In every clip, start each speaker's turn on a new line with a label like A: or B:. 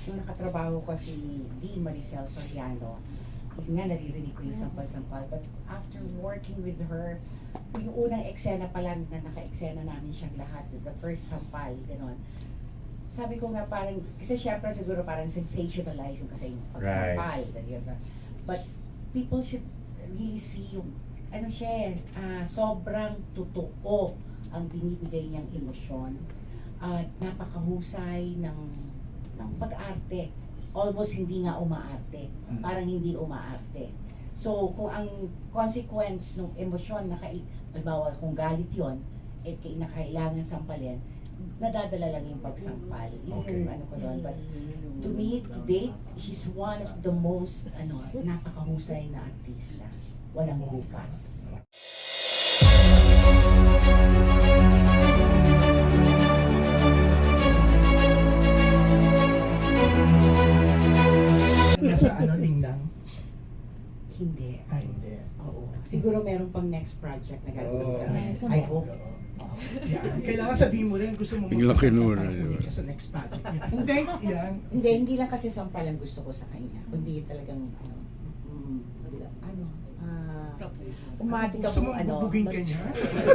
A: nung nakatrabaho ko si D. Maricel Soriano, yun nga naririnig ko yung sampal-sampal. But after working with her, yung unang eksena pa lang na naka-eksena namin siyang lahat, the first sampal, gano'n. Sabi ko nga parang, kasi syempre siguro parang sensationalize yung kasi yung pagsampal. Right. But people should really see yung, ano siya, sobrang totoo ang binibigay niyang emosyon. At napakahusay ng pag-arte. Almost hindi nga umaarte. Parang hindi umaarte. So, kung ang consequence ng emosyon, halimbawa kung galit yon, kinakailangan sampalin, nadadala lang yung pagsampal. Yun yung ano ko doon. But to me, to date, she's one of the most napakahusay na artista. Walang bukas.
B: Nasa Linlang?
A: Hindi.
B: Hindi.
A: Oo. Siguro meron pang next project na gagawin ka.
B: Oh.
A: I hope.
B: Yan. Kailangan sabihin mo rin gusto mo
C: Bigla kinura,
B: magpasama
C: diba?
B: ka sa next project niya. Hindi, yan.
A: Hindi lang kasi sampal ang gusto ko sa kanya. Kundi talagang umati ka
B: Gusto mo
A: po,
B: bubugin ka niya?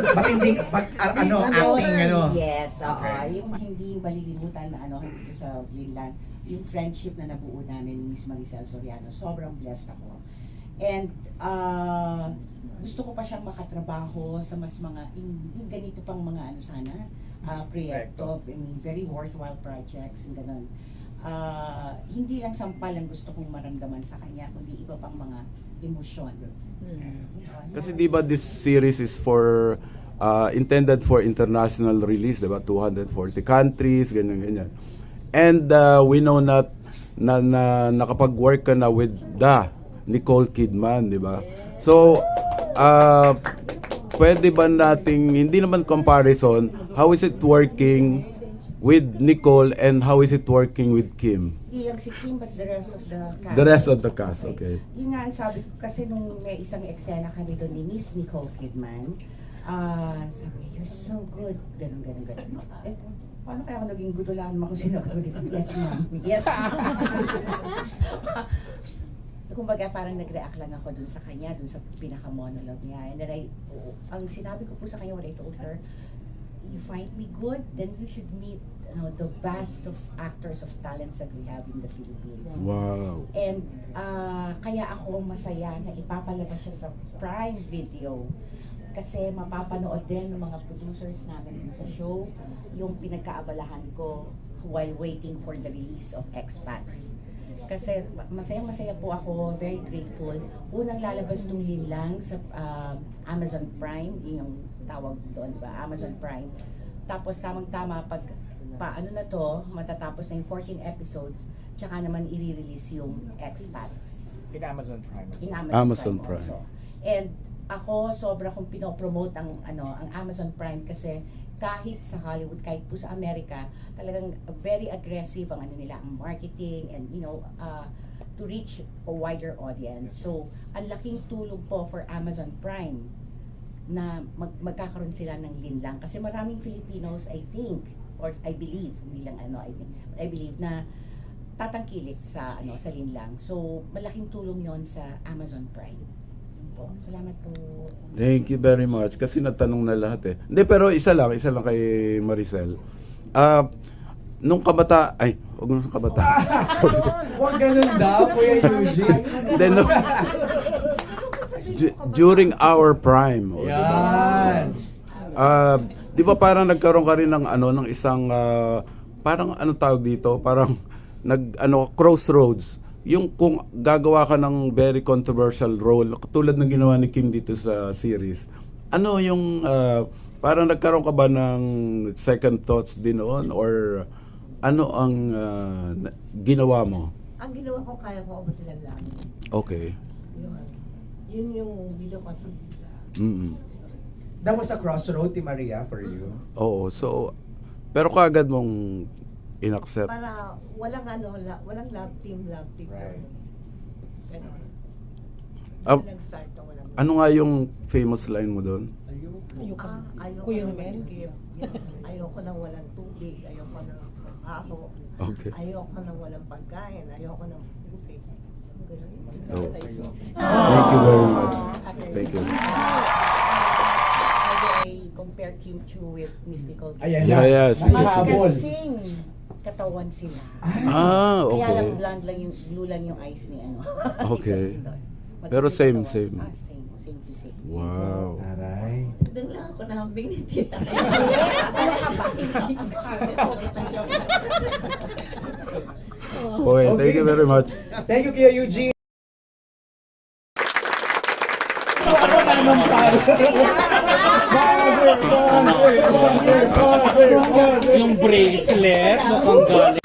A: acting, yes,
B: Okay.
A: yung hindi malilimutan na dito sa Greenland, yung friendship na nabuo namin ni Miss Maricel Soriano, sobrang blessed ako. And gusto ko pa siyang makatrabaho sa mas mga, yung ganito pang mga sana, proyekto, very worthwhile projects, and gano'n. Hindi lang sampal ang gusto kong maramdaman sa kanya, kundi iba pang mga emosyon.
C: Kasi di ba this series is for intended for international release, di ba? 240 countries, ganyan. And we know na nakapag-work ka na with Nicole Kidman, di ba? So, pwede ba nating, hindi naman comparison, how is it working with Nicole and how is it working with Kim?
A: Hindi lang si Kim, but the rest of the cast.
C: The rest of the cast, okay.
A: Yun nga ang sabi ko, kasi nung may isang eksena kami doon ni Miss Nicole Kidman, sabi, you're so good, ganun. Paano kaya ako naging gudulaan mo kung sino ako dito? Yes, ma'am. Yes, kumbaga parang nag-react lang ako dun sa kanya, dun sa pinaka-monologue niya. And then ang sinabi ko po sa kanya, what I told her, you find me good, then you should meet the vast of actors of talents that we have in the Philippines.
C: Wow.
A: And kaya ako masaya na ipapalabas siya sa Prime Video kasi mapapanood din ng mga producers namin sa show yung pinagkaabalahan ko while waiting for the release of Expats. Kasi masaya po ako, very grateful. Unang lalabas nung Linlang sa Amazon Prime, yun yung tawag doon, diba? Amazon Prime. Tapos tamang-tama pag matatapos na yung 14 episodes, tsaka naman i-release yung Expats.
D: In Amazon Prime.
A: In
C: Amazon Prime.
A: also. And ako sobra kong pinopromote ang Amazon Prime kasi kahit sa Hollywood, kahit po sa Amerika, talagang very aggressive ang nila, ang marketing and to reach a wider audience. So, ang laking tulong po for Amazon Prime na magkakaroon sila ng Linlang kasi maraming Filipinos, I think, or I believe, hindi lang I believe na tatangkilik sa sa Linlang. So, malaking tulong 'yon sa Amazon Prime. Po. Salamat po.
C: Thank you very much. Kasi natanong na lahat eh. Hindi, pero isa lang kay Maricel. Nung kabata, huwag nung kabata. Sorry.
D: Huwag ganun daw, Kuya Eugene.
C: Then, during our prime.
D: Yan.
C: Di ba parang nagkaroon ka rin ng isang, parang tawag dito? Parang, crossroads. Yung kung gagawa ka ng very controversial role tulad ng ginawa ni Kim dito sa series, ano yung parang nagkaroon ka ba ng second thoughts din noon or ano ang ginawa mo?
E: Ang ginawa ko, kaya ko abutin ang langit.
C: Okay.
E: Yun yung video contributor.
D: That was a crossroad, Maria, for you.
C: Oo, so pero kaagad mong inaccept.
E: Para walang walang love team.
D: Right.
E: Ganun.
C: Ah,
E: Nag-start na walang
C: ano nga yung famous line mo doon?
E: ayoko
F: Kuya
E: na
F: Mel?
E: ayoko nang walang tubig, ayoko na ako.
C: Okay.
E: Ayoko na walang pagkain, ayoko ng puti.
C: Oh. Thank you very much. Thank you.
A: I compare Kim Chiu with Miss Nicole.
D: Ayan
C: Yeah,
D: na.
C: yeah, sige,
D: Naihabol.
A: Kasing katawan sila.
C: Ah,
A: Kaya lang
C: okay.
A: blonde lang yung blue lang yung eyes ni ano.
C: Okay.
A: Ito.
C: Pero same,
A: Katawan.
C: same.
A: Same physique.
C: Wow.
D: Aray.
F: Doon lang ako nahambing ni tita.
A: Ano ka ba?
C: Okay, thank you very much.
D: Thank you, Kuya Eugene. Ako naman tayo.
G: Yung bracelet, mukhang galing.